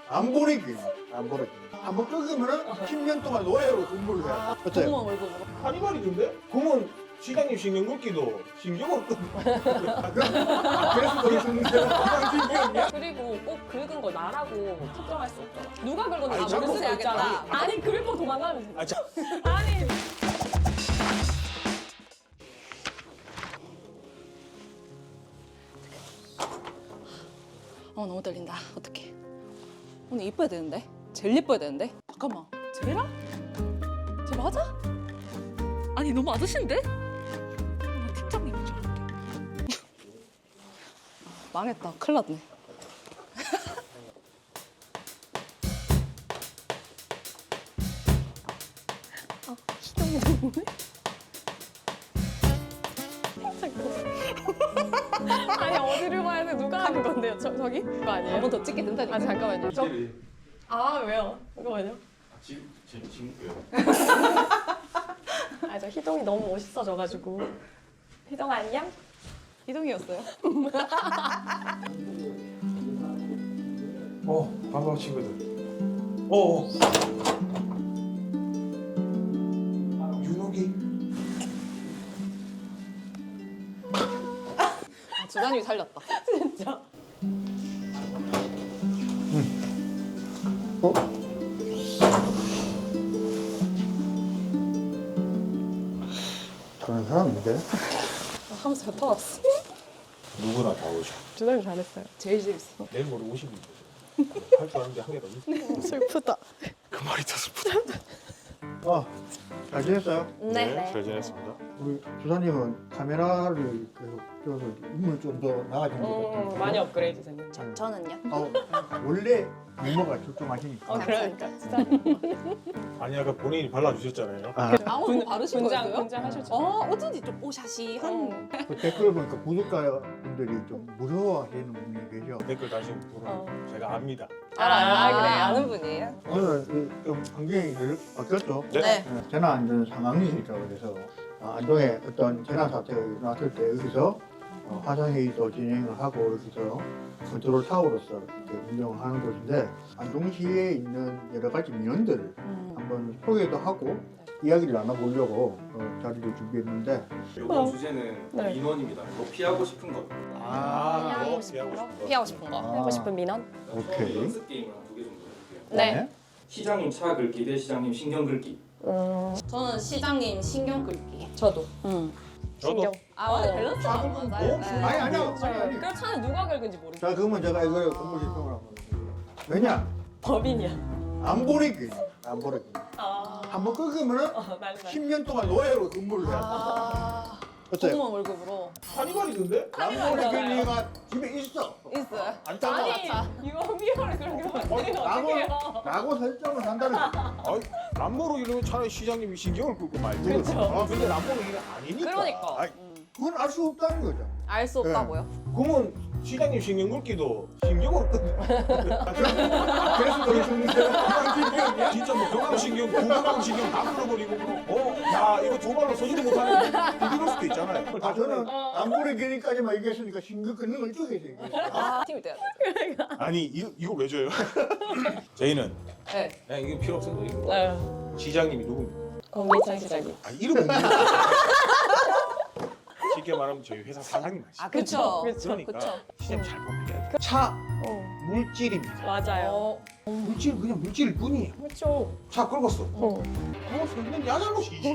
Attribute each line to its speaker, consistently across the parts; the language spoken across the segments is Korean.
Speaker 1: 안 버리기. 안 버리기. 한번 끊으면은 10년 동안 노예로 근무를 해야 돼. 어때요?
Speaker 2: 공무원 월급으로.
Speaker 3: 카니발이던데? 그러면 시장님 신경 긁기도 신경을 끄.
Speaker 1: 그래서 거기 끊는데 신경이야?
Speaker 2: 그리고 꼭 긁은 거 나라고 특정할 수 없잖아. 누가 긁었는지
Speaker 3: 아니,
Speaker 2: 모를
Speaker 3: 자꾸
Speaker 2: 수도 있잖아.
Speaker 3: 아니,
Speaker 2: 아니 긁고 도망가면 되지.
Speaker 3: 아, 자,
Speaker 2: 아니. 너무 떨린다. 어떡해. 오늘 이뻐야 되는데? 제일 이뻐야 되는데? 잠깐만. 쟤랑? 쟤 맞아? 아니 너무 아저씨인데? 나 팀장님인 줄 알았는데. 망했다. 큰일 났네. 시동이 너무해? 아니 어디를 봐야 돼? 누가 하는 건데요? 저기? 그거 아니에요? 한 번 더 찍게 된다니까. 아 잠깐만요. 아 왜요? 잠깐만요.
Speaker 3: 지금
Speaker 2: 아 저 희동이 너무 멋있어져가지고. 희동 안녕? 희동이었어요.
Speaker 3: 반가워 친구들. 윤옥이.
Speaker 2: 주단이 살렸다. 진짜.
Speaker 1: 어? 저런 사람인데?
Speaker 2: 하면서 뱉어왔어.
Speaker 3: 누구나 다 오셔.
Speaker 2: 주단이 잘했어요. 제일 재밌어.
Speaker 3: 내일 모레 50인 할줄 아는 게 한 개도 없어.
Speaker 2: 슬프다.
Speaker 3: 그 말이 더 슬프다.
Speaker 1: 잘 지냈어요?
Speaker 3: 잘 지냈습니다.
Speaker 1: 우리 주사님은 카메라를 계속 켜서 인물 좀 더 나아진 것 같은데.
Speaker 2: 많이 업그레이드 됐네.
Speaker 4: 저는요?
Speaker 1: 원래 미모가 출중하시니까.
Speaker 2: 그러니까 진짜.
Speaker 3: 아니 아까 본인이 발라주셨잖아요.
Speaker 4: 아무도 바르신 거예요?
Speaker 2: 분장 하셨죠?
Speaker 4: 어쩐지 좀 오샤시한.
Speaker 1: 그 댓글 보니까 구독자 분들이 좀 무서워하시는 분이 계셔.
Speaker 3: 댓글 다신 분은 제가 압니다.
Speaker 4: 그래 아는 분이에요?
Speaker 1: 오늘 좀 환경이 바뀌었죠?
Speaker 3: 네.
Speaker 1: 재난안전 상황이니까 그래서 안동에 어떤 재난 사태가 일어났을 때 여기서 화상회의도 진행을 하고 여기서 컨트롤 타워로서 이렇게 운영을 하는 곳인데 안동시에 있는 여러 가지 민원들을 한번 소개도 하고 이야기를 나눠보려고 자리를 준비했는데
Speaker 5: 이번 주제는
Speaker 2: 네.
Speaker 5: 민원입니다. 뭐 피하고 싶은 것.
Speaker 3: 피하고 싶은 거.
Speaker 4: 피하고 싶은 거.
Speaker 2: 하고 싶은 민원?
Speaker 1: 오케이.
Speaker 5: 연습 게임을 한 2개 정도 해볼게요.
Speaker 2: 네.
Speaker 5: 시장님 차 긁기 대 시장님 신경 긁기.
Speaker 4: 저는 시장님 신경 끌기.
Speaker 2: 저도.
Speaker 3: 저도.
Speaker 4: 근데 밸런스 안 맞아요.
Speaker 1: 아니야.
Speaker 2: 그 차는 누가 긁은지 모르겠어.
Speaker 1: 자 그러면 제가 이걸 공부 실평을 한번 해볼게요. 왜냐?
Speaker 2: 법인이야.
Speaker 1: 안 버리기. 안 버리기.
Speaker 2: 아.
Speaker 1: 한번 끊으면은
Speaker 2: 난리
Speaker 1: 10년 동안 노예로 근무를 해야 돼. 어때요?
Speaker 2: 공무원 월급으로.
Speaker 3: 카니발이던데?
Speaker 1: 람보르기니가 집에 있어.
Speaker 4: 있어요.
Speaker 1: 안 따라.
Speaker 2: 아니 이거 미워를 그렇게 만들면 어떡해요?
Speaker 1: 라고 설정을 한다는 거야.
Speaker 3: 아이, 람보르 이러면 차라리 시장님이 신경을 끌고 말지.
Speaker 2: 그쵸.
Speaker 3: 근데 람보르기는 아니니까.
Speaker 4: 그러니까.
Speaker 1: 아이, 그건 알 수 없다는 거죠.
Speaker 4: 알 수 없다고요?
Speaker 3: 그러면 시장님 신경 긁기도 신경을 끄.
Speaker 1: 그래서 거기 죽는데 신경이야?
Speaker 3: 진짜 뭐 경감신경, 구강신경 다 끌어버리고 야 이거 두 발로 서지도 못하는 이럴 수도 있잖아요.
Speaker 1: 저는 람보르기니까지만 얘기했으니까 신경 끊는 걸 이쪽에서 얘기했어요.
Speaker 4: 팀이 돼야 돼.
Speaker 3: 아니 이거 왜 줘요? 저희는
Speaker 4: 네.
Speaker 3: 그냥 이거 필요 없어요. 이거.
Speaker 2: 네.
Speaker 3: 시장님이 누굽니까?
Speaker 2: 공기창 시장님.
Speaker 3: 아 이름은 쉽게 말하면 저희 회사 사장님 아시죠?
Speaker 4: 아 그쵸.
Speaker 3: 그러니까
Speaker 4: 그쵸.
Speaker 3: 시장님 잘 보면 차 물질입니다.
Speaker 2: 맞아요.
Speaker 3: 물질 그냥 물질일 뿐이에요.
Speaker 2: 그렇죠.
Speaker 3: 차 끌었어. 그건 야 잘못이지.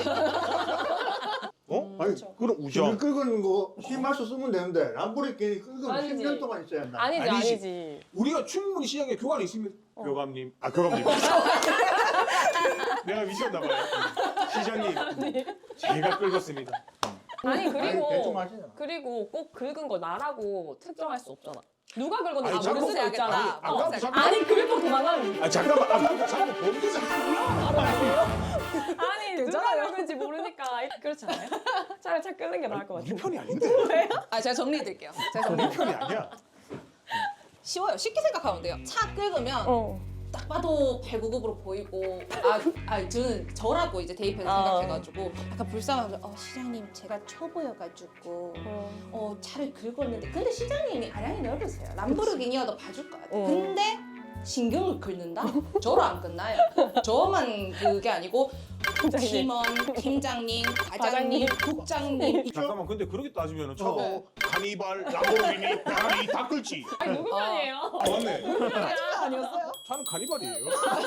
Speaker 3: 아니 그럼
Speaker 1: 신경
Speaker 3: 우정.
Speaker 1: 끌고는 거 힘말서 쓰면 되는데 람보르기니 끌고는
Speaker 2: 아니지.
Speaker 1: 10년 동안 있어야 한다.
Speaker 2: 아니지.
Speaker 3: 아니지. 우리가 충분히 시장에 교관이 있으면 교감님 교감님 내가 미쳤나 봐요. 시장님 제가 끌었습니다.
Speaker 2: 아니
Speaker 1: 대충
Speaker 2: 그리고
Speaker 1: 하시잖아.
Speaker 2: 그리고 꼭 긁은 거 나라고 특정할 수 없잖아. 누가 긁었는지
Speaker 3: 아니,
Speaker 2: 모를
Speaker 3: 자꾸
Speaker 2: 수도 있잖아.
Speaker 3: 잠깐
Speaker 2: 아니 긁고 도망가면 되지.
Speaker 3: 잠깐만 자꾸 범죄자
Speaker 2: 아니 누가 긁은지 모르니까 그렇지 않아요? 차라리 차 끄는 게 나을 것
Speaker 3: 우리
Speaker 2: 같아.
Speaker 3: 편이 아닌데.
Speaker 4: 제가 정리해드릴게요. 제가
Speaker 3: 우리 편이 아니야.
Speaker 4: 쉬워요. 쉽게 생각하면 돼요. 차 긁으면 딱 봐도 899으로 보이고 저는 저라고 이제 대입해서 생각해가지고 약간 불쌍하죠. 시장님 제가 초보여가지고 차를 긁었는데 근데 시장님이 아량이 넓으세요. 람보르기니여도 봐줄 것 같아요. 근데 신경을 긁는다? 저로 안 끝나요. 저만 그게 아니고 팀원, 팀장님, 과장님, 국장님.
Speaker 3: 잠깐만 근데 그렇게 따지면 저거
Speaker 4: 네.
Speaker 3: 카니발, 람보르기니, 페라리 다 끌지.
Speaker 2: 아니 누구 편이에요?
Speaker 3: 아, 맞네.
Speaker 4: 아니었어요?
Speaker 3: 저는 카니발이에요.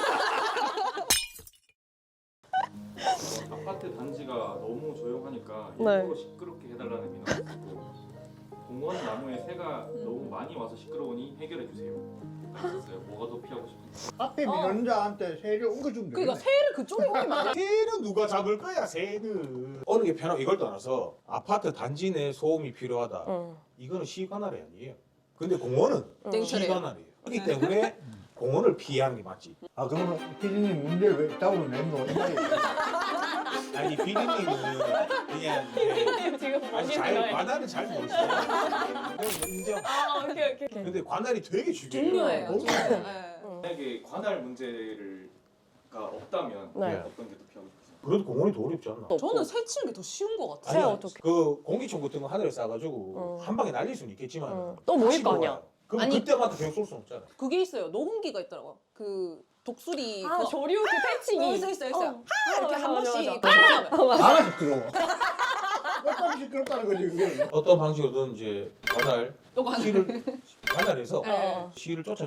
Speaker 5: 아파트 단지가 너무 조용하니까
Speaker 6: 네.
Speaker 5: 일부러 시끄럽게 해달라는 민원이 있고 공원 나무에 새가 너무 많이 와서 시끄러우니 해결해 주세요. 있었어요. 뭐가 더 피하고 싶은지.
Speaker 1: 앞에 민원자한테 세를 옮겨주면
Speaker 4: 그러니까
Speaker 1: 되겠네.
Speaker 4: 새를 그쪽에 옮기면
Speaker 3: 새는 누가 잡을 거야 새는. 어느 게 편하고 이걸 떠나서 아파트 단지 내 소음이 필요하다.
Speaker 6: 응.
Speaker 3: 이거는 시관할이 아니에요. 근데 공원은
Speaker 4: 땡처래요.
Speaker 3: 시관할이에요. 그렇기 때문에 공원을 피하는 게 맞지.
Speaker 1: 아 그러면 피디님 문제를 왜 답을 낸 거?
Speaker 3: 아니 비디님은 그냥 이제
Speaker 6: 지금
Speaker 3: 아니
Speaker 6: 어디
Speaker 3: 잘
Speaker 6: 있나요?
Speaker 3: 관할은 잘 모르겠어요. 그냥 인정.
Speaker 6: 아 오케이.
Speaker 3: 근데 관할이 되게 중요해요.
Speaker 4: 중요해요.
Speaker 3: 너무
Speaker 4: 중요해요. 네.
Speaker 5: 만약에 관할 문제가 없다면
Speaker 6: 네.
Speaker 5: 어떤 게 더 피하고 싶으세요?
Speaker 3: 그래도 공원이 더 어렵지 않나?
Speaker 4: 저는 새 치는 게 더 쉬운 것 같아요.
Speaker 6: 새야,
Speaker 3: 아니야,
Speaker 6: 어떡해.
Speaker 3: 그 공기총 같은 거 하늘에 쏴가지고 한 방에 날릴 수는 있겠지만
Speaker 6: 또 모일
Speaker 3: 다시
Speaker 6: 거 아니야.
Speaker 3: 돌아와요. 그럼
Speaker 4: 아니,
Speaker 3: 그때마다 계속 쏠 수는 없잖아.
Speaker 4: 그게 있어요. 녹음기가 있더라고. 그 독수리
Speaker 6: 아
Speaker 4: 그거.
Speaker 6: 조류 그 패치기.
Speaker 4: 있어요.
Speaker 6: 어.
Speaker 4: 이렇게 한
Speaker 6: 맞아,
Speaker 4: 번씩
Speaker 6: 맞아.
Speaker 4: 하면.
Speaker 1: 안 시끄러워. 몇번 시끄럽다는 거지 그게.
Speaker 3: 어떤 방식으로든 이제 관할
Speaker 4: 또 관할.
Speaker 3: 시를 관할해서
Speaker 4: 네.
Speaker 3: 시를 쫓아.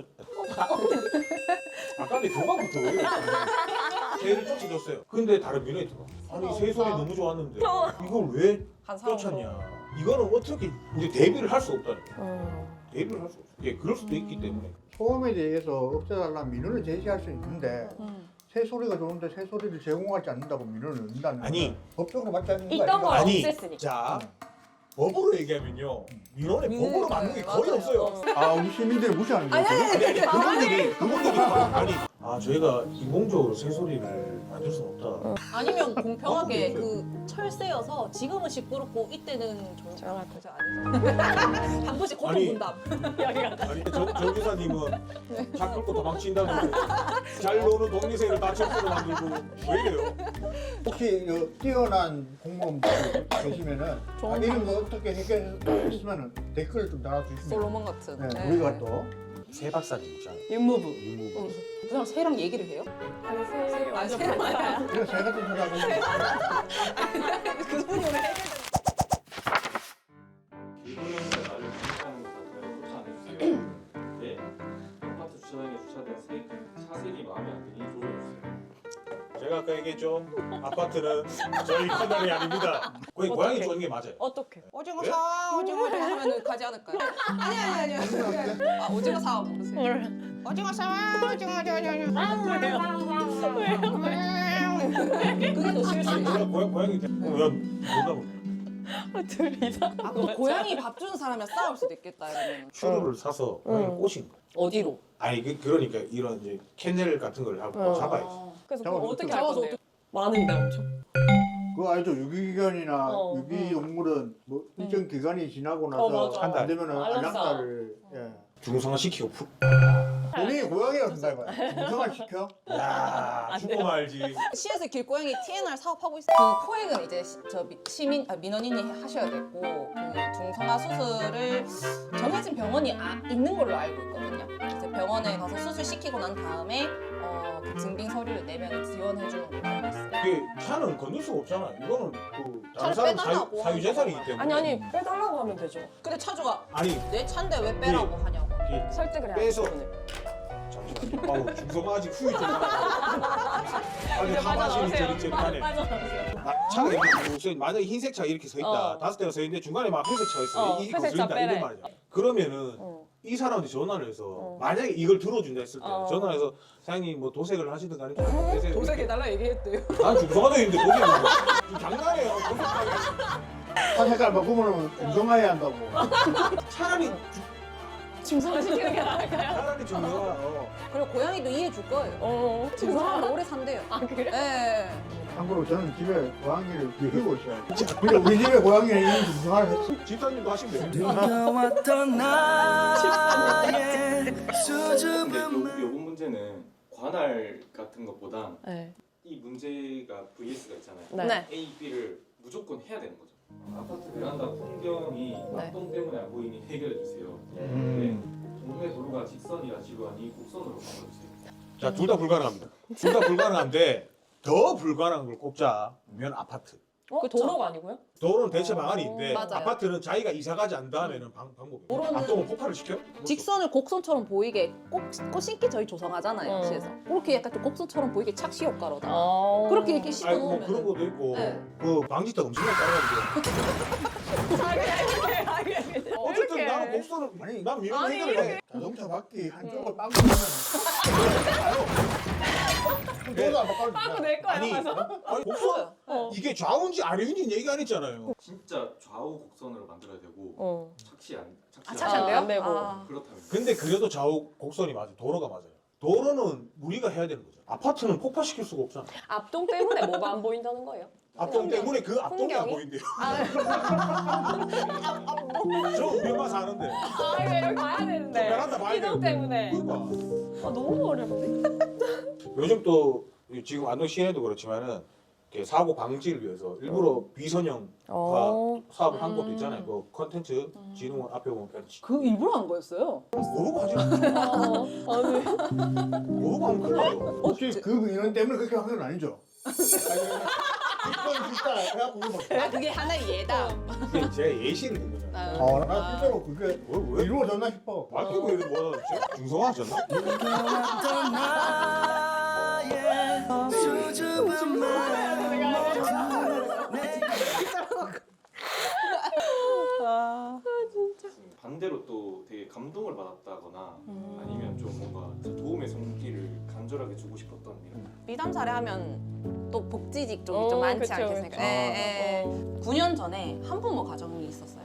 Speaker 3: 아까 내 교관부터 왜 이래? 새를 쫓아줬어요. 근데 다른 민원이 들어. 아니 새 소리 너무 좋았는데 이걸 왜
Speaker 4: 한 사람
Speaker 3: 쫓았냐? 이거는 어떻게 이제 대비를 할 수 없다니까.
Speaker 6: 음.
Speaker 3: 대비를 할 수 없어. 예, 그럴 수도 있기 때문에.
Speaker 1: 소음에 대해서 없애달라는 민원을 제시할 수 있는데
Speaker 4: 음.
Speaker 1: 새 소리가 좋은데 새 소리를 제공하지 않는다고 민원을 넣는다는
Speaker 3: 아니.
Speaker 1: 건 법적으로 맞지 않는 거
Speaker 6: 있던 걸
Speaker 1: 아닌가?
Speaker 3: 아니,
Speaker 6: 없앴으니까.
Speaker 3: 자 법으로 얘기하면요 민원에 법으로 맞는 게 거의
Speaker 4: 맞아요.
Speaker 3: 없어요.
Speaker 1: 아 우리 시민들이 무시하는 거죠?
Speaker 3: 아니 그분들이 아니 저희가 인공적으로 새소리를 만들 수는 없다.
Speaker 4: 아니면 공평하게 그 철새여서 지금은 시끄럽고 이때는 좀
Speaker 6: 조용할
Speaker 4: 그죠 아니죠. 한 번씩 고통
Speaker 3: 아니.
Speaker 4: 분담.
Speaker 3: 아니 정 기사님은 차 끌고 도망친다는 잘 노는 독립새를 다 첩수로 만들고 왜 이래요?
Speaker 1: 혹시 뛰어난 공무원분들 계시면은 아, 이런 거 어떻게 해결했으면 댓글 좀 달아주시면
Speaker 4: 솔로몬 같은.
Speaker 1: 네,
Speaker 4: 네.
Speaker 1: 우리가 또
Speaker 3: 새 박사님 있잖아요.
Speaker 6: 윤무부.
Speaker 3: 유무.
Speaker 4: 그 사람 새랑 얘기를 해요?
Speaker 6: 아니 새를
Speaker 4: 아,
Speaker 6: 완전
Speaker 4: 새를
Speaker 6: 반사야.
Speaker 1: 그래서 새 같은 사람은
Speaker 4: 그분이 오늘
Speaker 5: 길고양이가 나를 공격하는 것 같아요. 쫓아 안 해주세요. 네. 아파트 주차장에 주차된 차색이 마음에 안 드니 조져주세요.
Speaker 3: 제가 아까 얘기했죠. 아파트는 저희 커널이 아닙니다. 거의 고양이
Speaker 6: 어떡해.
Speaker 3: 쫓는 게 맞아요.
Speaker 6: 어떻게?
Speaker 4: 오징어
Speaker 3: 네?
Speaker 4: 사 오징어 사 하면은 가지 않을까요? 아니. 아 오징어 사 모르세요?
Speaker 6: 몰라.
Speaker 4: 오징어 사 오징어
Speaker 6: 왜요?
Speaker 4: 그게 더
Speaker 3: 아니
Speaker 4: 실수예요.
Speaker 3: 제가 고양이 야 뭐라고
Speaker 6: 둘 이상.
Speaker 4: 아, 또 고양이 밥 주는 사람이랑 싸울 수도 있겠다 이러면.
Speaker 3: 추루를 사서 고양이 꼬신 거.
Speaker 4: 어디로?
Speaker 3: 아니 그러니까 이런 이제 캐넬 같은 걸 하고 잡아야지.
Speaker 6: 그래서
Speaker 1: 잡아서
Speaker 6: 그거 어떻게
Speaker 1: 어떻게
Speaker 6: 할
Speaker 4: 잡아서
Speaker 6: 건데요? 많은데 엄청.
Speaker 1: 그거 알죠? 유기견이나
Speaker 6: 어,
Speaker 1: 유기동물은 뭐 일정 기간이 지나고 나서
Speaker 6: 맞아.
Speaker 1: 안 되면은
Speaker 6: 알았어.
Speaker 1: 알약사를 예.
Speaker 3: 중성화 시키고 푹.
Speaker 1: 우리 고양이라고 생각해봐요. 중성화 시켜?
Speaker 3: 야 죽고 말지.
Speaker 4: 시에서 길고양이 TNR 사업하고 있어요. 그 포획은 이제 시민 민원인이 하셔야 되고 그 중성화 수술을 정해진 병원이 있는 걸로 알고 있거든요. 이제 병원에 가서 수술 시키고 난 다음에 그 증빙 서류를 내면 지원해 주는 걸로 알고 있어요.
Speaker 3: 이게 차는 건들 수가 없잖아. 이거는 그 다른
Speaker 4: 차를
Speaker 3: 사람
Speaker 4: 빼달라고
Speaker 3: 사유재산이기 때문에.
Speaker 6: 아니 빼달라고 하면 되죠.
Speaker 4: 근데 차주가
Speaker 3: 아니
Speaker 4: 내 차인데 왜 빼라고 하냐고.
Speaker 3: 이게
Speaker 6: 설득을 해야
Speaker 3: 빼서.
Speaker 6: 돼.
Speaker 3: 잠시만. 아우 중성화 아직 후유 좀 나고. 아니 하마신이 저릿저릿하네. 차가 이렇게 만약에 흰색 차 이렇게 서 있다.
Speaker 6: 어.
Speaker 3: 5대가 서 있는데 중간에 막 회색 차 있어. 이게
Speaker 6: 회색 차
Speaker 3: 거슬린다
Speaker 6: 빼래.
Speaker 3: 이런 말이야. 그러면은
Speaker 6: 어.
Speaker 3: 이 사람한테 전화를 해서
Speaker 6: 어.
Speaker 3: 만약에 이걸 들어준다 했을 때
Speaker 6: 어.
Speaker 3: 전화를 해서 사장님 뭐 도색을 하시든 간에 좀
Speaker 4: 도색해달라 얘기했대요.
Speaker 3: 난 중성화도 있는데 도색을 지금 장난해요. 도색하게.
Speaker 1: 차 색깔 바꾸면 중성화해야 한다고.
Speaker 3: 차라리
Speaker 6: 중성화 시키는 게 나을까요?
Speaker 3: 차라리 중성화.
Speaker 4: 그리고 고양이도 이해해 줄 거예요.
Speaker 6: 어.
Speaker 4: 중성화는 오래 산대요.
Speaker 6: 아 그래?
Speaker 4: 네.
Speaker 1: 참고로 저는 집에 고양이를 키우고 있어요. 근데 우리 집에 고양이는 이미 중성화를 했어.
Speaker 3: 집사님도 하시면 돼요.
Speaker 7: 느껴왔던 나의
Speaker 5: 근데
Speaker 7: 수줍음
Speaker 5: 요번 문제는 관할 같은 것보다
Speaker 6: 네.
Speaker 5: 이 문제가 VS가 있잖아요.
Speaker 6: 네.
Speaker 5: A, B를 무조건 해야 되는 거죠. 아파트 베란다 풍경이
Speaker 6: 네.
Speaker 5: 낙동 때문에 안 보이니 해결해 주세요.
Speaker 1: 음.
Speaker 5: 네. 동네 도로가 직선이라 지루하니 곡선으로 바꿔주세요.
Speaker 3: 자, 둘 다 불가능합니다. 둘 다 불가능한데 더 불가능한 걸 꼽자면 아파트.
Speaker 6: 그 도로가 아니고요?
Speaker 3: 도로는 대체 방안이 있는데
Speaker 4: 맞아요.
Speaker 3: 아파트는 자기가 이사 가지 않은 다음에는 방법이
Speaker 4: 도로는
Speaker 3: 앞동은 폭발을 시켜?
Speaker 2: 직선을 곡선처럼 보이게 꽃 심기 저희 조성하잖아요. 시에서 그렇게 약간 좀 곡선처럼 보이게 착시 효과로다. 그렇게 이렇게
Speaker 3: 아니 뭐
Speaker 2: 씹어놓으면
Speaker 3: 그런 것도 있고
Speaker 2: 네.
Speaker 3: 그 방지턱 엄청나게 깔아가지고 어쨌든 나는 곡선을 아니 난 이런 얘기를 해.
Speaker 1: 자동차 바퀴 한쪽을 빵꾸 하면 그거도 안 바꿔도
Speaker 6: 빵꾸
Speaker 1: 돼.
Speaker 6: 낼 거야.
Speaker 3: 아니
Speaker 6: 가서.
Speaker 3: 아니 곡선 이게 좌우인지 아래인지 얘기 안 했잖아요.
Speaker 5: 진짜 좌우 곡선으로 만들어야 되고 착시 안
Speaker 6: 안 되고.
Speaker 5: 그렇다면
Speaker 3: 근데 그래도 좌우 곡선이 맞아요. 도로가 맞아요. 도로는 우리가 해야 되는 거죠. 아파트는 폭파시킬 수가 없잖아.
Speaker 6: 앞동 때문에 뭐가 안 보인다는 거예요?
Speaker 3: 앞동 때문에 그 앞동이 안
Speaker 6: 풍경이?
Speaker 3: 보인대요. 저 우리만 사는데
Speaker 6: 아 이거 여기 가야 되는데.
Speaker 3: 베란다 봐야
Speaker 6: 이동
Speaker 3: 되는데.
Speaker 6: 때문에.
Speaker 3: 그러니까
Speaker 6: 아 너무 어렵네.
Speaker 3: 요즘 또 지금 안동 시내도 그렇지만은 이렇게 사고 방지를 위해서 일부러 비선형 사업을 한 것도 있잖아요. 그 컨텐츠 진흥원 앞에 보면
Speaker 2: 그 일부러 한 거였어요.
Speaker 3: 모르고 하지 마.
Speaker 6: 아니.
Speaker 3: 모르고 하면 큰일 나요.
Speaker 1: 혹시 그 민원 때문에 그렇게 한 건 아니죠? 이건 진짜 해갖고 이거 막.
Speaker 4: 아, 그게 하나의 예다.
Speaker 3: 그게 제 예시를 든 거잖아요.
Speaker 1: 나 실제로 그게
Speaker 3: 왜?
Speaker 1: 이루어졌나 싶어.
Speaker 3: 말투고 이거 뭐 중성화하셨나?
Speaker 7: 어떤 나의 수줍은 마음
Speaker 5: 반대로 또 되게 감동을 받았다거나 아니면 좀 뭔가 도움의 손길을 간절하게 주고 싶었던 이런
Speaker 2: 미담 사례하면 또 복지직 쪽이
Speaker 6: 어,
Speaker 2: 좀 많지
Speaker 6: 그쵸,
Speaker 2: 않겠습니까?
Speaker 6: 그쵸.
Speaker 2: 예, 예. 9년 전에 한부모 가정이 있었어요.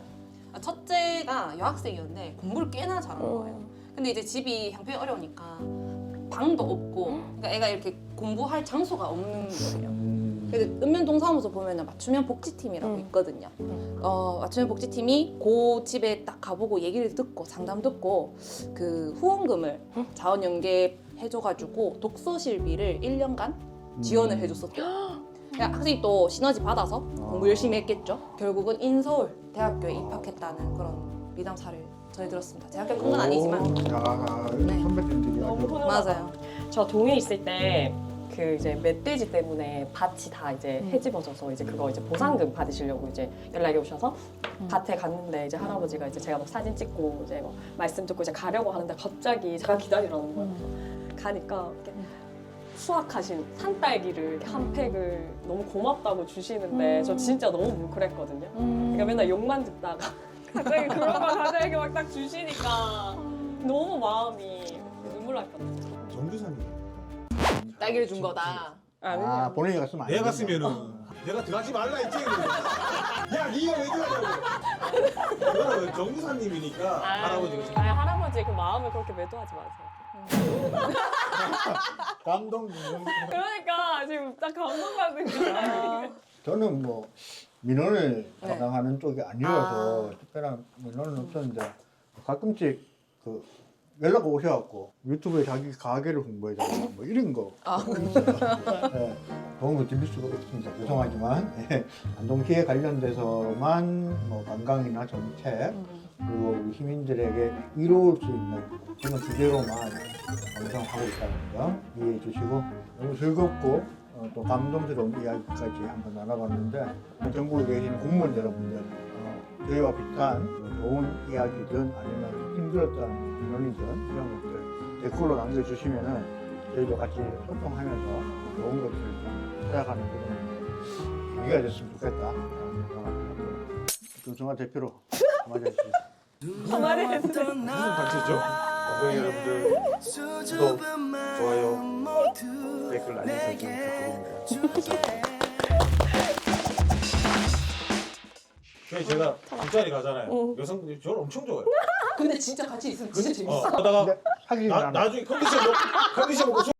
Speaker 2: 첫째가 여학생이었는데 공부를 꽤나 잘하는 거예요. 근데 이제 집이 형편이 어려우니까 방도 없고, 그러니까 애가 이렇게 공부할 장소가 없는 거예요. 그래서 읍면동사무소 보면은 맞춤형 복지팀이라고 있거든요. 맞춤형 복지팀이 그 집에 딱 가보고 얘기를 듣고 상담 듣고 그 후원금을 자원 연계해줘가지고 독서실비를 1년간 지원을 해줬었대요. 그러니까 학생이 또 시너지 받아서 공부 열심히 했겠죠. 결국은 인서울 대학교에 입학했다는 그런 미담 사례를 전해 들었습니다. 제 학교 큰 건 아니지만
Speaker 1: 야,
Speaker 2: 네.
Speaker 1: 선배님들이
Speaker 6: 너무
Speaker 1: 아주
Speaker 6: 훈훈하다.
Speaker 2: 맞아요.
Speaker 6: 저 동해 있을 때 그 이제 멧돼지 때문에 밭이 다 이제 헤집어져서 이제 그거 이제 보상금 받으시려고 이제 연락이 오셔서 밭에 갔는데 이제 할아버지가 이제 제가 막 사진 찍고 이제 뭐 말씀 듣고 이제 가려고 하는데 갑자기 제가 기다리라는 거예요. 가니까 이렇게 수확하신 산딸기를 이렇게 한 팩을 너무 고맙다고 주시는데 저 진짜 너무 뭉클했거든요. 그러니까 맨날 욕만 듣다가 갑자기 그런 거 갑자기 막 딱 주시니까 너무 마음이 눈물 날 뻔했어요.
Speaker 3: 정주사님.
Speaker 4: 딸기를 준 거다.
Speaker 1: 아, 본인이 갔으면 안
Speaker 3: 내가
Speaker 1: 된다.
Speaker 3: 갔으면은 내가 들어가지 말라 했지. 야, 네가 왜 들어가냐고. 너는 정주사님이니까 할아버지가
Speaker 6: 할아버지 그 마음을 그렇게 매도하지 마세요.
Speaker 1: 감동.
Speaker 6: 그러니까 지금 딱 감동받는 거야.
Speaker 1: 저는 뭐 민원을 담당하는 쪽이 아니어서 특별한 민원은 없었는데 가끔씩 그 연락 오셔갖고 유튜브에 자기 가게를 홍보해달라고 뭐 이런 거 네, 도움을 드릴 수가 없습니다. 죄송하지만 안동시에 관련돼서만 뭐 관광이나 정책 그리고 우리 시민들에게 이로울 수 있는 그런 주제로만 방송하고 있다는 점 이해해 주시고 너무 즐겁고 또 감동스러운 이야기까지 한번 나눠봤는데 전국에 계신 공무원 여러분들 저희와 비슷한 좋은 이야기든 아니면 힘들었던 민원이든 이런 것들 댓글로 남겨주시면은 저희도 같이 소통하면서 좋은 것들을 좀 찾아가는 그런 계기가 됐으면 좋겠다. 조정아 대표로 맞아주시죠.
Speaker 3: 무슨 단체죠? 관광 여러분들 구독, 좋아요, 댓글 알림 설정 부탁드립니다. 제가 잠자리 가잖아요. 여성분들이 저를 엄청 좋아해요.
Speaker 4: 근데 진짜 같이 있으면 진짜 재밌어.
Speaker 3: 하다가
Speaker 1: 근데 사귀지 않아.
Speaker 3: 나중에 컨디션 먹고